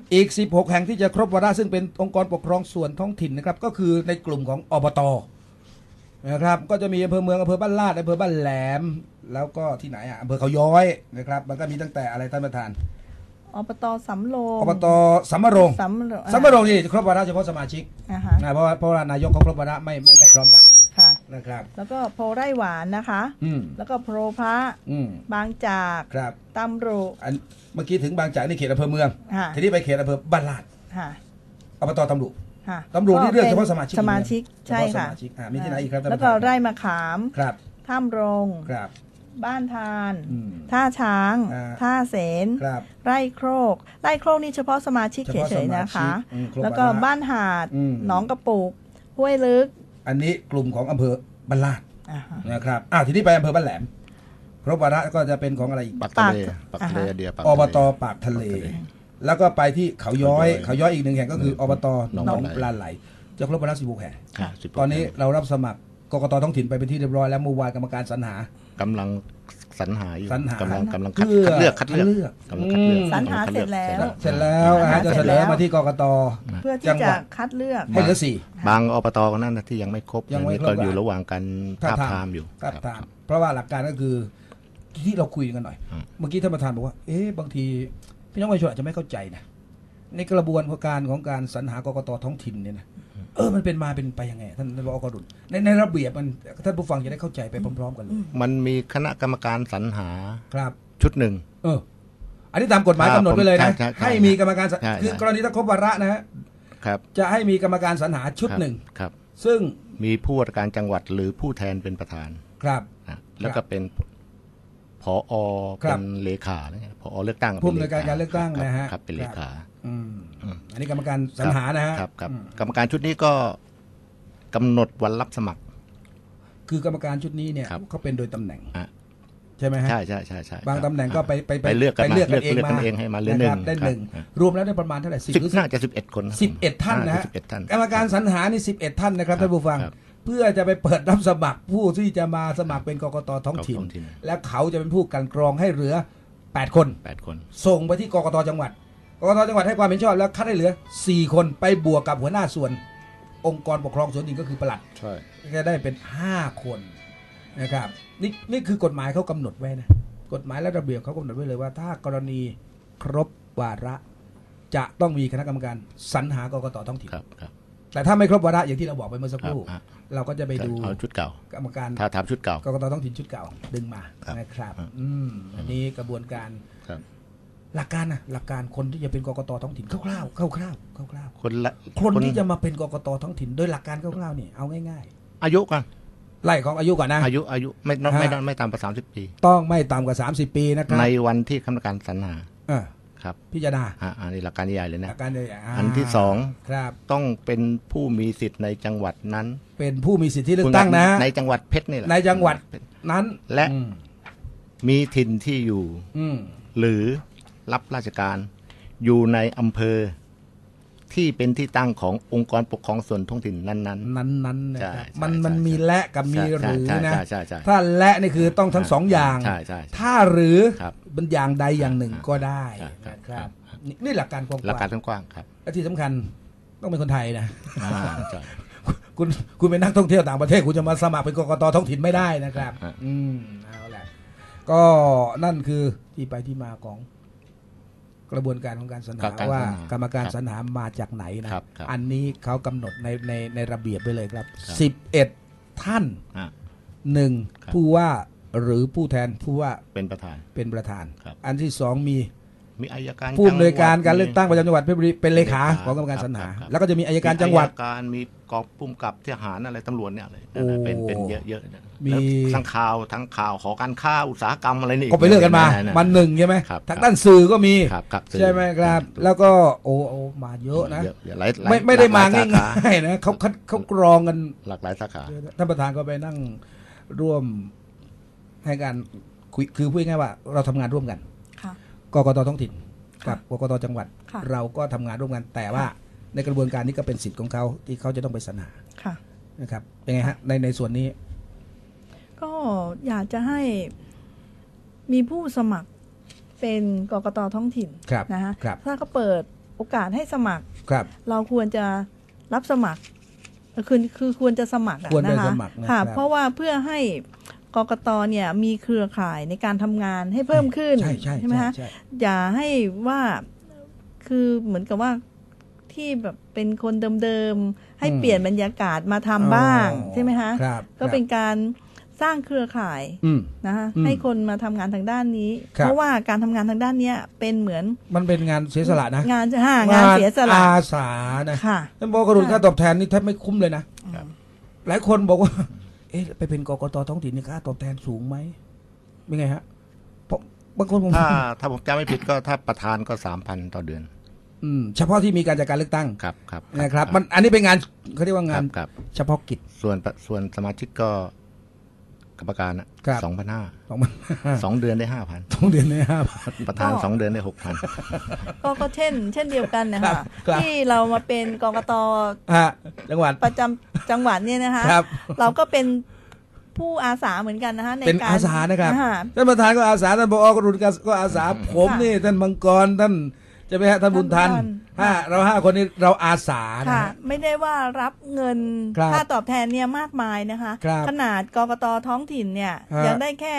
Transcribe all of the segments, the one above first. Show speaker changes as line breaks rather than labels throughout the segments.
อีก16แห่งที่จะครบวาระซึ่งเป็นองค์กรปกครองส่วนท้องถิ่นนะครับก็คือในกลุ่มของอบต.นะครับก็จะมีอำเภอเมืองอำเภอบ้านลาดอำเภอบ้านแหลมแล้วก็ที่ไหนอำเภอเขาย้อยนะครับมันก็มีตั้งแต่อะไรท่านประธาน
อบต.สำโรง
อบต.สำโรงนี่ครบวาระเฉพาะสมาชิกเพราะว่านายกเขาครบวาระไม่พร้อมกันนะครับ
แล้วก็โพไร่หวานนะคะแล้วก็โพพระบางจากตำรุ
เมื่อกี้ถึงบางจากนี่เขตอำเภอเมืองทีนี้ไปเขตอำเภอบ้านลาดอบต.ตำรุนี่เลือกเฉพาะสมาชิกใช่ค่ะมีที่ไหนอีกครับ
แล้วก็ไร่มะขามถ้ำรงบ้านทานท่าช้างท่าเสนไร่โครกนี่เฉพาะสมาชิกเฉยๆนะคะแล้วก็บ้านหาดหนองกระปุกห้วยลึก
อันนี้กลุ่มของอำเภอบ้านลาดนะครับทีนี้ไปอำเภอบ้านแหลมครบวาระก็จะเป็นของอะไรอีก
ปากทะเล
อบต.ปากทะเลแล้วก็ไปที่เขาย้อยอีกหนึ่งแห่งก็คืออบต.หนองปลาไหลจะครบวาระ16แห่งตอนนี้เรารับสมัครกกต.ท้องถิ่นไปเป็นที่เรียบร้อยแล้วเมื่อวานกรรมการสรรหาก
ำลังสรรหาอยู่กำลังคัดเลือก
สรรหาเสร็จแล้ว
จะเสนอมาที่กกต.
เพื่อที่จะคัดเลือก
ให้เหลือ
4บางอบต.ก็นั่นที่ยังไม่ครบก็อยู่ระหว่างการทาบทามอยู่
เพราะว่าหลักการก็คือที่เราคุยกันหน่อยเมื่อกี้ท่านประธานบอกว่าบางทีพี่น้องประชาชนอาจจะไม่เข้าใจนะในกระบวนการของการสรรหากกต.ท้องถิ่นเนี่ยนะมันเป็นมาเป็นไปยังไงท่านรองกดุลในระเบียบมันท่านผู้ฟังจะได้เข้าใจไปพร้อมๆกันเลย
มันมีคณะกรรมการสรรหา
ครับ
ชุดหนึ่ง
อันนี้ตามกฎหมายกำหนดไว้เลยนะให้มีกรรมการคือกรณีถ้าครบวาระนะฮะจะให้มีกรรมการสรรหาชุดหนึ่งซึ่ง
มีผู้ว่าการจังหวัดหรือผู้แทนเป็นประธาน
ครับ
แล้วก็เป็นผอ.เป็นเลขาผอ.เลือกตั้ง
ผู้อำนวยการเลือกตั้งนะฮะ
เป็นเลขา
อันนี้กรรมการสรรหานะฮะ
ครับกรรมการชุดนี้ก็กำหนดวันรับสมัคร
คือกรรมการชุดนี้เนี่ยเขาเป็นโดยตำแหน่งใช่ไหมฮะ
ใช่
บางตำแหน่งก็
ไปเลือกกันเองให้มาเลือก
ได้หนึ่งรวมแล้วได้ประมาณเท่าไหร่
น่าจะ11 คน
11 ท่านนะฮะกรรมการสรรหานี่11 ท่านนะครับท่านผู้ฟังเพื่อจะไปเปิดรับสมัครผู้ที่จะมาสมัครเป็นกกต.ท้องถิ่นและเขาจะเป็นผู้กันกรองให้เหลือ8 คนส่งไปที่กกต.จังหวัดกกต.จังหวัดให้ความเห็นชอบแล้วคัดให้เหลือ4 คนไปบวกกับหัวหน้าส่วนองค์กรปกครองส่วนหนึ่งก็คือปลัด
ใช่
ก็ได้เป็น5 คนนะครับนี่คือกฎหมายเขากำหนดไว้นะกฎหมายและระเบียบเขากำหนดไว้เลยว่าถ้ากรณีครบวาระจะต้องมีคณะกรรมการสรรหากกต.ท้องถิ่นแต่ถ้าไม่ครบวาระอย่างที่เราบอกไปเมื่อสักครู่เราก็จะไปดู
ชุดเก่าก
รรมการ
ถ้าทำชุดเก่าก
กต.ท้องถิ่นชุดเก่าดึงมานะครับอันนี้กระบวนการหลักการคนที่จะเป็นกกต.ท้องถิ่นคร่าวๆคนที่จะมาเป็นกกต.ท้องถิ่นโดยหลักการคร่าวๆนี่เอาง่าย
ๆอายุกัน
ไล่ของอายุก่อนนะ
อายุไม่ต่ำกว่า30 ปี
ต้องไม่ต่ำกว่า30 ปีนะครับ
ในวันที่คณะกรรมการสรรหา
ครับพิจารณา
อันนี้หลักการใหญ่เลยนะ
หลักการใหญ่
อันที่2ครับต้องเป็นผู้มีสิทธิ์ในจังหวัดนั้น
เป็นผู้มีสิทธิเลือกตั้งนะ
ในจังหวัดเพชรนี่แหละ
ในจังหวัดนั้น
และมีถิ่นที่อยู่หรือรับราชการอยู่ในอำเภอที่เป็นที่ตั้งขององค์กรปกครองส่วนท้องถิ่นนั้น
นะครับมันมีและกับมีหรือนะถ้าและนี่คือต้องทั้ง2 อย่างถ้าหรือเป็นอย่างใดอย่างหนึ่งก็ได้นะครับนี่หลักการกว้
างๆครับ
และที่สำคัญต้องเป็นคนไทยนะคุณเป็นนักท่องเที่ยวต่างประเทศคุณจะมาสมัครเป็นกกต.ท้องถิ่นไม่ได้นะครับเอาแหละก็นั่นคือที่ไปที่มาของกระบวนการของการสรรหาว่ากรรมการสรรหามาจากไหนนะอันนี้เขากำหนดในระเบียบไปเลยครับ11 ท่าน1ผู้ว่าหรือผู้แทนผู้ว่า
เป็นประธาน
อันที่2มี
อัยการ
ผู้อำนวยการการเลือกตั้งประจำจังหวัดเพชรบุรีเป็นเลขาของกรรมการสรรหาแล้วก็จะมีอัยการจังหวัด
การมีกองผู้กำกับทหารอะไรตำรวจเนี่ยอะไรเป็นเยอะมีทั้งข่าวขอการค้าอุตสาหกรรมอะไรนี่
ก็ไปเลือกกันมา1ใช่ไหมทางด้านสื่อก็มีใช่ไหมครับแล้วก็โอ้มาเยอะนะไม่ได้มาง่ายๆนะเขากรองกัน
หลากหลายสาขา
ท่านประธานก็ไปนั่งร่วมให้การคุยคือพูดง่ายว่าเราทำงานร่วมกันกกต.ท้องถิ่นกับกกต.จังหวัดเราก็ทำงานร่วมกันแต่ว่าในกระบวนการนี้ก็เป็นสิทธิ์ของเขาที่เขาจะต้องไปสรรหานะครับเป็นไงฮะในส่วนนี้
ก็อยากจะให้มีผู้สมัครเป็นกกต.ท้องถิ่นนะฮะถ้าเขาเปิดโอกาสให้สมัคร
ครับ
เราควรจะรับสมัครคือควรจะสมัคร
ควรได้
นะคะ
สมัครนะ
ค่ะ
ครับ
เพราะว่าเพื่อให้กกตเนี่ยมีเครือข่ายในการทำงานให้เพิ่มขึ้น
ใช่
ไหมคะ
ใช่
อย่าให้ว่าคือเหมือนกับว่าที่แบบเป็นคนเดิมๆให้เปลี่ยนบรรยากาศมาทำบ้างใช่ไหมคะ
ครับ
ก็เป็นการสร้างเครือข่ายนะคะให้คนมาทำงานทางด้านนี้ เพราะว่าการทำงานทางด้านนี้เป็นเหมือน
มันเป็นงานเสียสละนะ
งานเสียสละ
อาสานะท่านบอกกระดุนค่าตอบแทนนี่แทบไม่คุ้มเลยนะหลายคนบอกว่าเอ๊ะไปเป็นกกตท้องถิ่นนี่ค่าตอบแทนสูงไหมเป็นไงฮะเพราะบางคนผม
ถ้าผมจำไม่ผิดก็ถ้าประธานก็ 3,000 ต่อเดือน
เฉพาะที่มีการจัดการเลือกตั้ง
ครับ
นะครับมันอันนี้เป็นงานเขาเรียกว่างานเฉพาะกิจ
ส่วนสมาชิกก็กรรมการนะ2,500 2 เดือนได้ 5,000
2 เดือนได้ 5,000
ประธาน2 เดือนได้ 6,000
ก็เช่นเดียวกันนะคะที่เรามาเป็นกกต
จังหวัด
ประจำจังหวัดเนี่ยนะคะเราก็เป็นผู้อาสาเหมือนกันนะคะในการ
เป็นอาสานะครับท่านประธานก็อาสาท่านผอ.กรุณก็อาสาผมนี่ท่านมังกรท่านจะไปฮะท่านบุญทันเรา5 คนนี้เราอาสานะ
ไม่ได้ว่ารับเงินค่าตอบแทนเนี่ยมากมายนะคะขนาดกกตท้องถิ่นเนี่ยยังได้แค่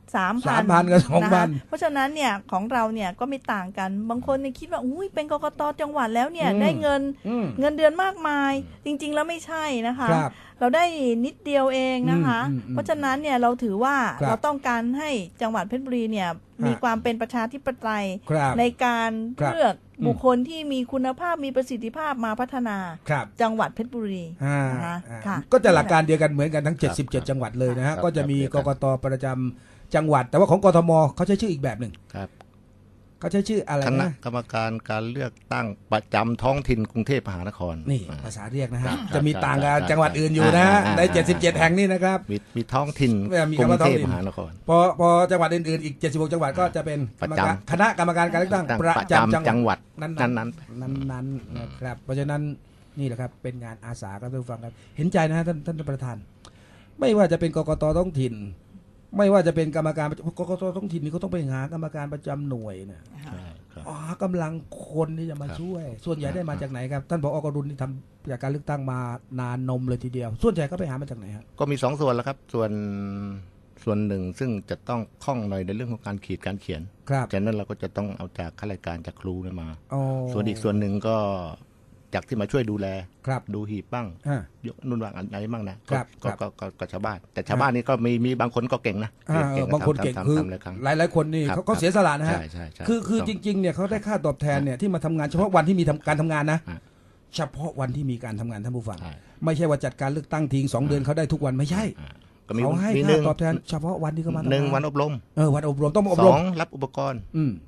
3,000
กับ 2,000
เพราะฉะนั้นเนี่ยของเราเนี่ยก็ไม่ต่างกันบางคนเนี่ยคิดว่าอุ้ยเป็นกกตจังหวัดแล้วเนี่ยได้เงินเดือนมากมายจริงๆแล้วไม่ใช่นะคะเราได้นิดเดียวเองนะคะเพราะฉะนั้นเนี่ยเราถือว่าเราต้องการให้จังหวัดเพชรบุรีเนี่ยมีความเป็นประชาธิปไตยในการเลือกบุคคลที่มีคุณภาพมีประสิทธิภาพมาพัฒนาจังหวัดเพชรบุรีนะคะ
ก็จะหลักการเดียวกันเหมือนกันทั้ง77จังหวัดเลยนะฮะก็จะมีกกตประจำจังหวัดแต่ว่าของกทมเขาใช้ชื่ออีกแบบหนึ่งเขาใช้ชื่ออะไรนะคณะ
กรรมการการเลือกตั้งประจำท้องถิ่นกรุงเทพมหานคร
นี่ภาษาเรียกนะฮะจะมีต่างกับจังหวัดอื่นอยู่นะใน77แห่งนี้นะครับ
มีท้องถิ่นกรุงเทพมหานคร
พอจังหวัดอื่นๆอีก76จังหวัดก็จะเป็นคณะกรรมการการเลือกตั้งประจำ
จังหวัด
นั้นนะครับเพราะฉะนั้นนี่แหละครับเป็นงานอาสาครับท่านผู้ฟังครับเห็นใจนะท่านประธานไม่ว่าจะเป็นกกตท้องถิ่นไม่ว่าจะเป็นกรรมการกกตท้องถิ่นนี่เขาต้องไปหากรรมการประจำหน่วยเนี่ยกำลังคนที่จะมาช่วยส่วนใหญ่ได้มาจากไหนครับท่านผอ.กรุณที่ทำจากการเลือกตั้งมานานนมเลยทีเดียวส่วนใหญ่ก็ไปหามาจากไหนครับ
ก็มี2 ส่วนแล้วครับส่วนหนึ่งซึ่งจะต้องคล่องหน่อยในเรื่องของการการเขียนจากนั้นเราก็จะต้องเอาจากข้าราชการจากครูมาส่วนอีกส่วนหนึ่งก็จากที่มาช่วยดูแลดูหีบบ้างยกนุ่นวางอะไรบ้างนะก็ชาวบ้านแต่ชาวบ้านนี่ก็มีบางคนก็เก่งนะ
บางคนเก่งคือหลายคนนี่เขาเสียสละนะฮะคือจริงๆเนี่ยเขาได้ค่าตอบแทนเนี่ยที่มาทำงานเฉพาะวันที่มีการทำงานนะเฉพาะวันที่มีการทำงานท่านผู้ฟังไม่ใช่ว่าจัดการเลือกตั้งทิ้ง2 เดือนเขาได้ทุกวันไม่ใช่เขาให้ค่าตอบแทนเฉพาะวันที่เขามา
1 วันอบรม
วันอบรมต้องอบรม
2 รับอุปกรณ์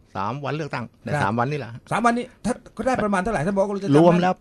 3 วันเลือกตั้งใน3 วันนี่แหละ
3 วันนี้ถ้าก็ได้ประมาณเท่าไหร่ท่านบอกว่าจะ
รวมแล้ว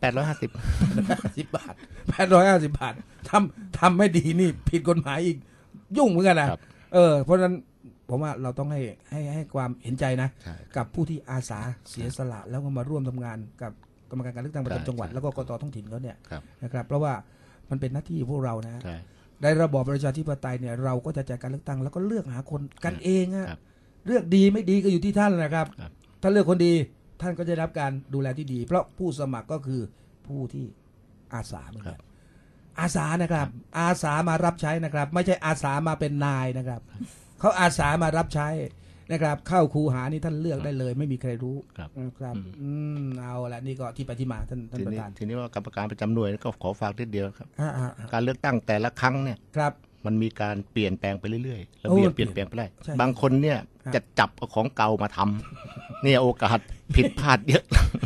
850 บาท850 บาททำไม่ดีนี่ผิดกฎหมายอีกยุ่งเหมือนกันนะเพราะฉะนั้นผมว่าเราต้องให้ความเห็นใจนะกับผู้ที่อาสาเสียสละแล้วก็มาร่วมทำงานกับกรรมการการเลือกตั้งประจำจังหวัดแล้วก็กตท้องถิ่นเขาเนี่ยนะครับเพราะว่ามันเป็นหน้าที่พวกเรานะในระบอบประชาธิปไตยเนี่ยเราก็จะจัดการเลือกตั้งแล้วก็เลือกหาคนกันเองอะเลือกดีไม่ดีก็อยู่ที่ท่านนะครับถ้าเลือกคนดีท่านก็จะได้รับการดูแลที่ดีเพราะผู้สมัครก็คือผู้ที่อาสาเหมือนกันอาสานะครับอาสามารับใช้นะครับไม่ใช่อาสามาเป็นนายนะครับเขาอาสามารับใช้นะครับเข้าคูหานี่ท่านเลือกได้เลยไม่มีใครรู้นะครับเอาละนี่ก็ที่ไปที่มาท่านประธาน
ทีนี้ว่ากรรมการประจำหน่วยก็ขอฝากนิดเดียวครับการเลือกตั้งแต่ละครั้งเนี่ยมันมีการเปลี่ยนแปลงไปเรื่อยๆระเบียบเปลี่ยนแปลงไปได้บางคนเนี่ยจะจับเอาของเก่ามาทำเนี่ยโอกาสผิดพลาดเยอะ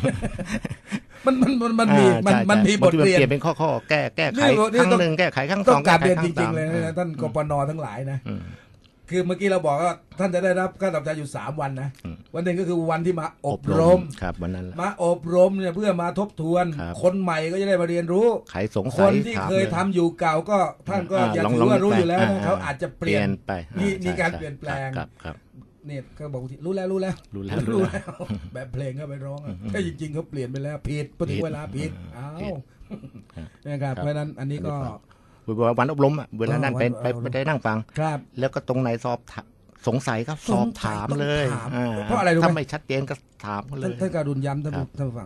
มันมีบทเรียน
เปลี่ยนเป็นข้อแก้ไขครั้งหนึ่งแก้ไขครั้ง2
ต้องการเรียนจริงๆเลยนะท่านกปน.ทั้งหลายนะคือเมื่อกี้เราบอกว่าท่านจะได้รับค่าตอบแทนอยู่3 วันนะวันหนึ่งก็คือวันที่มาอบรม
วันนั้น
มาอบรมเนี่ยเพื่อมาทบทวนคนใหม่ก็จะได้มาเรียนรู้คนที่เคยทำอยู่เก่าก็ท่านก็อย่าถือว่ารู้อยู่แล้วนะเขาอาจจะเปลี่ยน
ไป
มีการเปลี่ยนแปลงเนี่ยเขาบอกรู้แล้วแบบเพลงก็ไปร้องแต่จริงๆเขาเปลี่ยนไปแล้วผิดพอถึงเวลาผิดนะครับเพราะนั้นอันนี้ก็
วันอบรมเวลานั่นไปได้นั่งฟังแล้วก็ตรงไหนสอบสงสัยก็สอบถามเลย
เพราะอะไรรู้ไหม
ถ้าไม่ชัดเจนก็ถามเลย
ท่านการุณย้ำท่านฟัง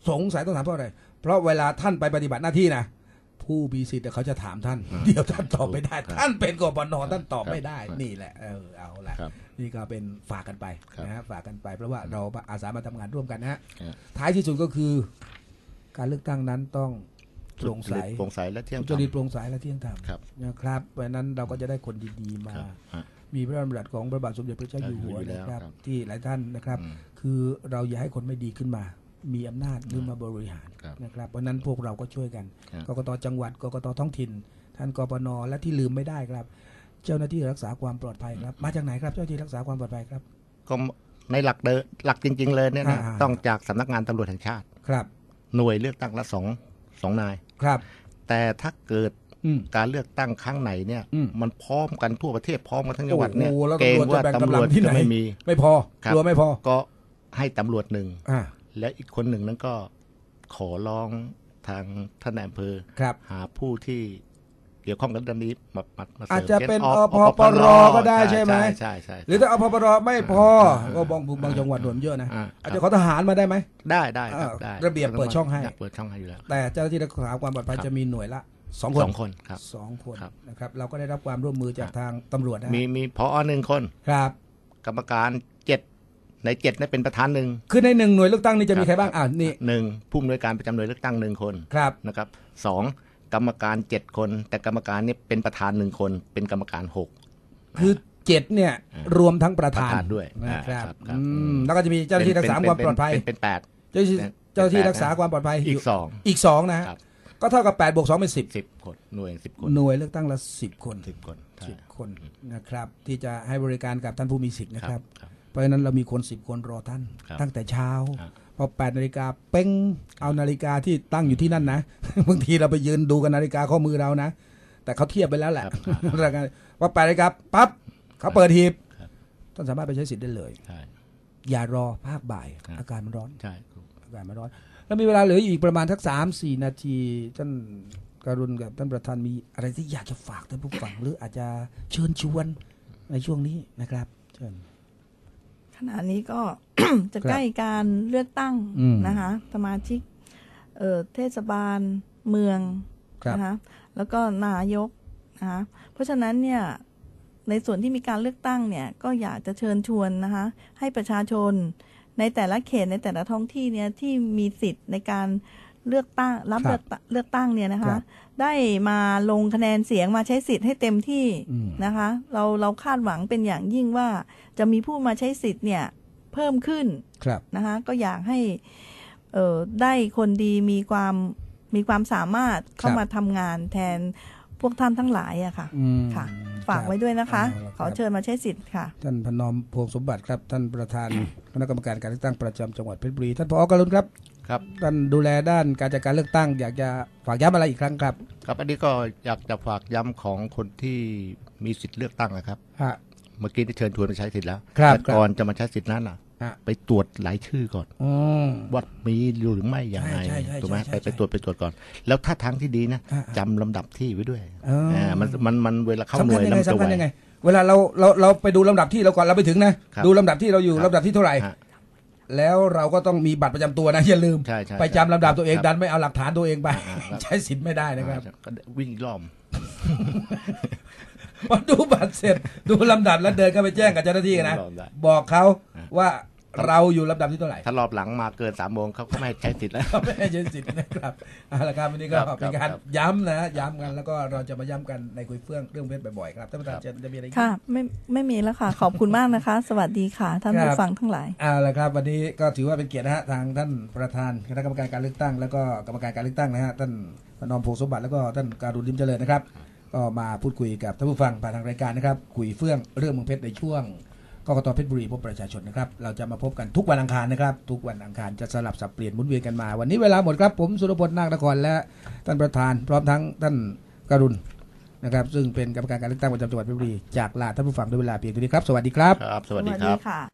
สงสัยต้องถามเพราะอะไรเพราะเวลาท่านไปปฏิบัติหน้าที่นะผู้มีสิทธิ์เขาจะถามท่านเดี๋ยวท่านตอบไม่ได้ท่านเป็นกปนท่านตอบไม่ได้นี่แหละเอาละนี่ก็เป็นฝากกันไปนะฮะฝากกันไปเพราะว่าเราอาสามาทำงานร่วมกันนะฮะท้ายที่สุดก็คือการเลือกตั้งนั้นต้องโปร่งใส
และเที่ยงธรรม
จริตโปร่งใสและเที่ยงธรรมนะครับเพราะนั้นเราก็จะได้คนดีๆมามีพระราชดำรัสของพระบาทสมเด็จพระเจ้าอยู่หัวนะครับที่หลายท่านนะครับคือเราอย่าให้คนไม่ดีขึ้นมามีอำนาจหรือมาบริหารนะครับเพราะนั้นพวกเราก็ช่วยกันกกต.จังหวัดกกต.ท้องถิ่นท่านกปน.และที่ลืมไม่ได้ครับเจ้าหน้าที่รักษาความปลอดภัยครับมาจากไหนครับเจ้าหน้าที่รักษาความปลอดภัยครับ
ก็ในหลักจริงๆเลยเนี่ยต้องจากสำนักงานตำรวจแห่งชาติ
ครับ
หน่วยเลือกตั้งละสองนาย
ครับ
แต่ถ้าเกิดการเลือกตั้งครั้งไหนเนี่ยมันพร้อมกันทั่วประเทศพร้อมกันทั้งจังหวัดเนี่ยเกรงว่าตำรวจจะไม่พอก
ลัวไม่พอ
ก็ให้ตำรวจหนึ่งและอีกคนหนึ่งนั้นก็ขอร้องทางท่านนายอำเภอหาผู้ที่เกี่ยวข้องกับเรื่องนี้มา
อาจจะเป็นอพปรก็ได้ใช่ไหม
ใช่
หรือถ้าอพปรไม่พอก็บางจังหวัดหน่วยเยอะนะอาจจะขอทหารมาได้ไหม
ได้
ระเบียบเปิดช่องให้
อยู่แล้ว
แต่เจ้าหน้าที่รักษาความปลอดภัยจะมีหน่วยละ
2 คนครับ
2 คนนะครับเราก็ได้รับความร่วมมือจากทางตำรวจนะ
มีผอ1 คน
ครับ
กรรมการ7ใน7นี่เป็นประธาน1
คือใน1หน่วยเลือกตั้งนี่จะมีใครบ้างนี่
1ผู้อำนวยการประจำหน่วยเลือกตั้ง1 คนนะครับ2กรรมการ7 คนแต่กรรมการนี่เป็นประธาน1 คนเป็นกรรมการ6
คือ7เนี่ยรวมทั้งประธาน
ด้วย
นะครับแล้วก็จะมีเจ้าหน้าที่รักษาความปลอดภัย
เป็น8
เจ้าหน้าที่รักษาความปลอดภัยอีก2นะก็เท่ากับ8 บวก 2เป็น
10 คนหน่วย10 คน
หน่วยเลือกตั้งละ10 คนนะครับที่จะให้บริการกับท่านผู้มีสิทธิ์นะครับเพราะฉะนั้นเรามีคน10 คนรอท่านตั้งแต่เช้าพอ8 นาฬิกาเป้งเอานาฬิกาที่ตั้งอยู่ที่นั่นนะบางทีเราไปยืนดูกันนาฬิกาข้อมือเรานะแต่เขาเทียบไปแล้วแหละพอ8 นาฬิกาปั๊บเขาเปิดหีบท่านสามารถไปใช้สิทธิ์ได้เลยอย่ารอภาคบ่ายอากาศมันร้อนอากาศมันร้อนแล้วมีเวลาเหลืออีกประมาณสัก 3-4 นาทีท่านการุณกับท่านประธานมีอะไรที่อยากจะฝากท่านผู้ฟังหรืออาจจะเชิญชวนในช่วงนี้นะครับเชิญ
ขณะนี้ก็ จะใกล้การเลือกตั้งนะคะสมาชิกเทศบาลเมืองนะคะแล้วก็นายกนะคะเพราะฉะนั้นเนี่ยในส่วนที่มีการเลือกตั้งเนี่ยก็อยากจะเชิญชวนนะคะให้ประชาชนในแต่ละเขตในแต่ละท้องที่เนี่ยที่มีสิทธิ์ในการเลือกตั้งรับเลือกตั้งเนี่ยนะคะได้มาลงคะแนนเสียงมาใช้สิทธิ์ให้เต็มที่นะคะเราคาดหวังเป็นอย่างยิ่งว่าจะมีผู้มาใช้สิทธิ์เนี่ยเพิ่มขึ้นนะคะก็อยากให้ได้คนดีมีความสามารถเข้ามาทำงานแทนพวกท่านทั้งหลายอะค่ะฝากไว้ด้วยนะคะขอเชิญมาใช้สิทธิ์ค่ะ
ท่านพนอมพวงสมบัติครับท่านประธานคณะกรรมการการเลือกตั้งประจำจังหวัดเพชรบุรีท่านผอ.กรุณครับท่านดูแลด้านการจัดการเลือกตั้งอยากจะฝากย้ำอะไรอีกครั้งครับ
ครับอันนี้ก็อยากจะฝากย้ำของคนที่มีสิทธิ์เลือกตั้งนะครับเมื่อกี้ได้เชิญชวนไปใช้สิทธิ์แล้วแต่ก่อนจะมาใช้สิทธิ์นั้นไปตรวจหลายชื่อก่อนว่ามีอยู่หรือไม่อย่างไรถูกไหมไปตรวจก่อนแล้วถ้าทางที่ดีนะจำลำดับที่ไว้ด้วยมันเวลาเข้าหน่วยแล้วจะไว
เวลาเราไปดูลำดับที่เราก่อนเราไปถึงนะดูลำดับที่เราอยู่ลำดับที่เท่าไหร่แล้วเราก็ต้องมีบัตรประจำตัวนะอย่าลืมไปจำลำดับตัวเองดันไม่เอาหลักฐานตัวเองไปใช้สิทธิ์ไม่ได้นะครับ
วิ่งล้อม
พอดูบัตรเสร็จดูลำดับแล้วเดินเข้าไปแจ้งกับเจ้าหน้าที่นะบอกเขาว่าเราอยู่ลำดับที่เท่าไหร่
ถ้ารอบหลังมาเกิน3 โมงเขาก็ไม่ใช้สิทธิ์แล้ว
ไม่ให้ใช้สิทธิ์นะครับเอาละครับวันนี้ก็เป็นการย้ำกันแล้วก็เราจะมาย้ำกันในคุยเฟื่องเรื่องเพชรบ่อยๆครับท่านประธานจะมีอะไร
ค่ะไม่มีแล้วค่ะขอบคุณมากนะคะสวัสดีค่ะท่านผู้ฟังทั้งหลาย
เอาละครับวันนี้ก็ถือว่าเป็นเกียรตินะฮะทางท่านประธานคณะกรรมการการเลือกตั้งแล้วก็กรรมการการเลือกตั้งนะฮะท่านพนอมพงษ์สมบัติแล้วก็ท่านการุณ ลิ้มเจริญนะครับก็มาพูดคุยกับท่านผู้ฟังผ่านทางรายการนะครับคุยเฟื่องเรื่องเมืองเพชรในช่วงกกต.เพชรบุรีพบประชาชนนะครับเราจะมาพบกันทุกวันอังคารนะครับทุกวันอังคารจะสลับสับเปลี่ยนหมุนเวียนกันมาวันนี้เวลาหมดครับผมสุรพล นาคนครและท่านประธานพร้อมทั้งท่านการุณนะครับซึ่งเป็นกรรมการการเลือกตั้งประจำจังหวัดเพชรบุรีจากลาท่านผู้ฟังด้วยเวลาเพียงเท่านี้ครับสวัสดีครับ
สวัสดีครับ